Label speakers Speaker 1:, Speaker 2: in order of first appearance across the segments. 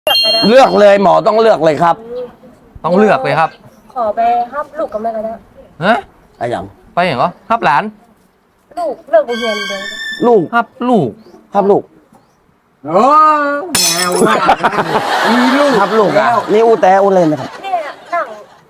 Speaker 1: เลือกเลยหมอต้องเลือกเลยครับ
Speaker 2: ต้องเลือกเลยครับ
Speaker 3: ขอไปห้ามลูกกับแม่ก็ได้
Speaker 2: ฮะ
Speaker 1: อะไรอย่าง
Speaker 2: ไปอย่างเหรอฮับหลาน
Speaker 3: ลูกเลิกเรียนเลย
Speaker 1: ลูก
Speaker 2: ฮับลูก
Speaker 1: ครับลูก
Speaker 4: โอ้แนวว่ามีลูก
Speaker 1: ครับลูกอ่ะนี่อูแต่อูเล่นนะครับ
Speaker 3: เนี่ยนั่ง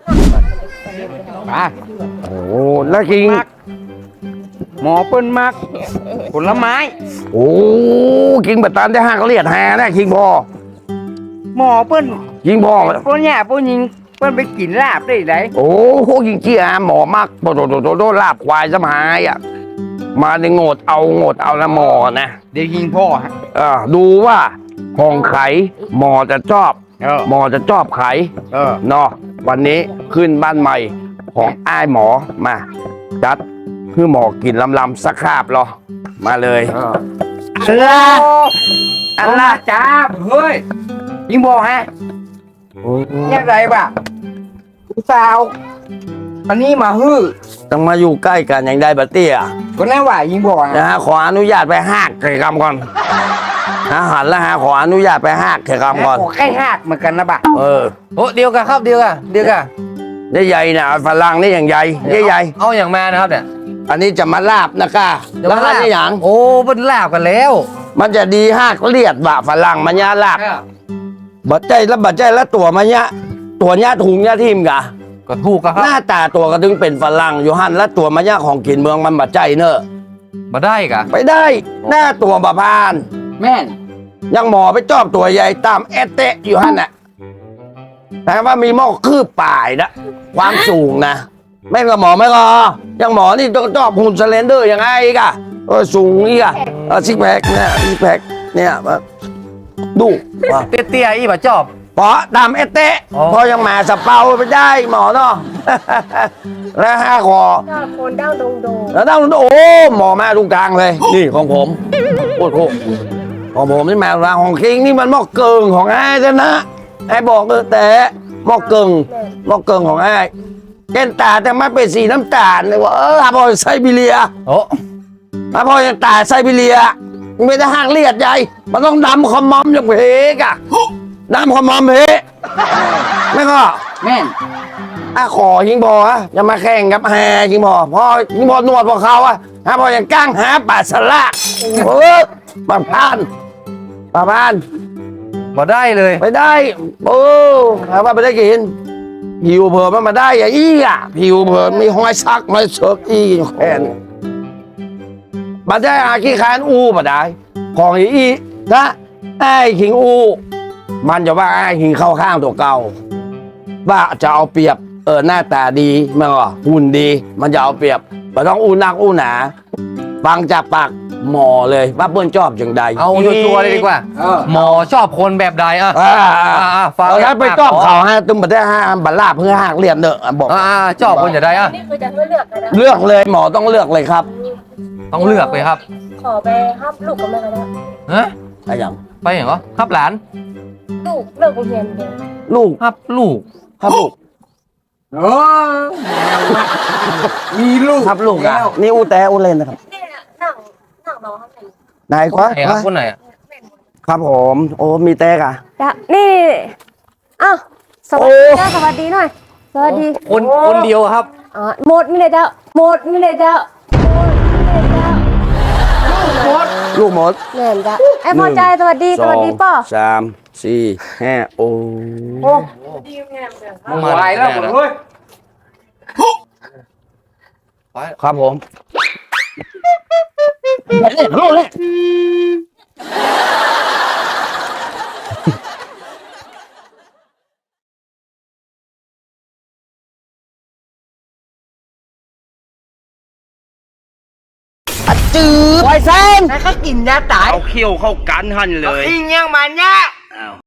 Speaker 4: มา
Speaker 1: โอ้แล้วกิน
Speaker 4: หมอเปิ้นมักผลไม้
Speaker 1: โอ้กินแบบตามได้ห้างเขาเรียกแฮนะคิงพอ
Speaker 4: หมอเปิ้น
Speaker 1: ยิงพอ
Speaker 4: ป้นหญ้าป้นยิงเปิ้นไปกินลาบได้ไหน
Speaker 1: โอ้โหยิงเจี๊ยหมอมักโดลาบควายสมัยอ่ะมาในโงดเอาละหมอนะ
Speaker 4: เดี๋ยวยิงพ่อฮะ
Speaker 1: ดูว่าห้องไขหมอจะชอบหมอจะชอบไขเนาะวันนี้ขึ้นบ้านใหม่ของอ้ายหมอมาจัดคือหมอกินลำสักคาบหรอมาเลย
Speaker 4: อันละจ้าเฮ้ยยิงบอกฮะยังไงบ่ะสาวอันนี้มาฮื้อ
Speaker 1: ต้องมาอยู่ใกล้กันอย่างใดบัตเตี้ย
Speaker 4: ก็แน่ว่ายิงบอก
Speaker 1: นะฮะขออนุญาตไปหักเขยกรรมก่อนหันแล้วฮะขออนุญาตไปหักเขยกรรมก่อน
Speaker 4: ใกล้หักเหมือนกันนะบ่ะ
Speaker 2: โอ้เดียวกันครับเดียวกัน
Speaker 1: นี่ใหญ่นะฝรั่งนี่อย่างใหญ่ใหญ่
Speaker 2: เอาอย่างมานะครับเนี่ย
Speaker 1: อันนี้จะมาลาบนะก้าแล้วอันนี้อย่าง
Speaker 2: โอ้เป็นลาบกันแล้ว
Speaker 1: มันจะดีหักเลียดบ่ฝรั่งมันยาลาบบัดใจแล้วตัวมันยะตัวเนี้ยถุงเนี้ยทิมกะ
Speaker 2: ก็ถูกครับ
Speaker 1: หน้าตาตัวก็ถึงเป็นฝรั่งอยู่หันแล้วตัวมันยะของกินเมืองมันบัดใจเนอะ
Speaker 2: มาได้กะ
Speaker 1: ไปได้หน้าตัวบะพาน
Speaker 4: แม่น
Speaker 1: ยังหมอไปจอบตัวใหญ่ตามเอเตะอยู่หันน่ะแต่ว่ามีหม้อคืบป่ายนะความสูงนะไม่ก็หมอไม่ก็ยังหมอนี่ต้องจอบหุ่นสเลนเดอร์ยังไงอีกอะสูงอีกอะซิกแพคเนี่ยซิกแพคเนี่ยดู
Speaker 2: เตี้ยอีบ่จอบ
Speaker 1: เพราะตามเอเตะพอยังมาสเปาไปได้หมอเนาะแล้วห้าคอ
Speaker 3: คนด้าวดง
Speaker 1: แล้วด้าวโอ้หมอมาตรงกลางเลยนี่ของผมโอ้โหของผมนี่มาของคิงนี่มันหม้อเกิงของไอ้เจ้านะไอ้บอกแต่หม้อเกิงของไอ้แก้นตาแต่ไม่เป็นสีน้ำตาลเลยว่าพอไซบีเรีย
Speaker 2: โอ้
Speaker 1: พอยังตาไซบีเรียไม่ได้ห้างเลียดใหญ่มันต้องดำคอมมอมอย่างเพกอะดำคอมมอมเพไม่ก็
Speaker 4: แม่น
Speaker 1: ขอยิงบอจะมาแข่งกับแฮยิงบอพอยิงบอนวดพอเขาพอยังก้างหาป่าสละปะพาน
Speaker 2: มาได้เลย
Speaker 1: ไม่ได้หาว่าไม่ได้กินผิวเผินมาได้อย่างอี้ผิวเผินมีห้อยซักห้อยเชิกอีแขนมาได้ขี้คานมาได้ของอีถ้าไอ้ขิงมันจะว่าไอ้ขิงเข้าข้างตัวเก่าว่าจะเอาเปรียบหน้าตาดีมันก็หุ่นดีมันจะเอาเปรียบมันต้องนักหนาฟังจากปากหมอเลยว่าเปิ้ลชอบอย่างใด
Speaker 2: เอาชัวร์เลยดีกว่าหมอชอบคนแบบใด
Speaker 1: ฟังแล้วไปชอบเขาตุ้มบัดได้บัลลาเพื่อหักเรียนเนอะบอก
Speaker 2: ชอบคนอย่างใด
Speaker 3: นี่คือจะเลือก
Speaker 1: เลือกเลยหมอต้องเลือกเลยครับ
Speaker 2: ต้องเลือกเลยครับ
Speaker 3: ขอไปห้ามลูกกับแม่ก็ได้
Speaker 2: ฮะ
Speaker 1: อะไรอย่าง
Speaker 2: ไปอย่างเหรอฮับหลาน
Speaker 3: ลูกเลิกเรียนเลย
Speaker 1: ลูก
Speaker 2: ฮับลูก
Speaker 4: โอ้มีลูก
Speaker 1: ครับลูกนี่อูแต่อูเล่นนะครับ
Speaker 3: เนี่ยนั่งรอข้างใน
Speaker 1: ไหนควะ
Speaker 2: คนไหน
Speaker 1: ครับผมโอ้มีแต่กะ
Speaker 3: นี่อ้าวสวัสดีสวัสดีหน่อยสวัสดี
Speaker 2: คนเดียวครับ
Speaker 3: หมดไม่ได้เจ้า
Speaker 1: ลูกหมด
Speaker 3: แม่นจ้ะไอ้พอใจสวัสดีป่อ
Speaker 1: 3 4 5โอ้
Speaker 4: มาไหวแล้วผมเลย
Speaker 1: ครับผมโลดเลยจืดไวเซน
Speaker 4: แล้วก็กินยาตาย
Speaker 1: เอาเขี้ยวเข้ากันหันเลย
Speaker 4: กินยังมันเนี่ย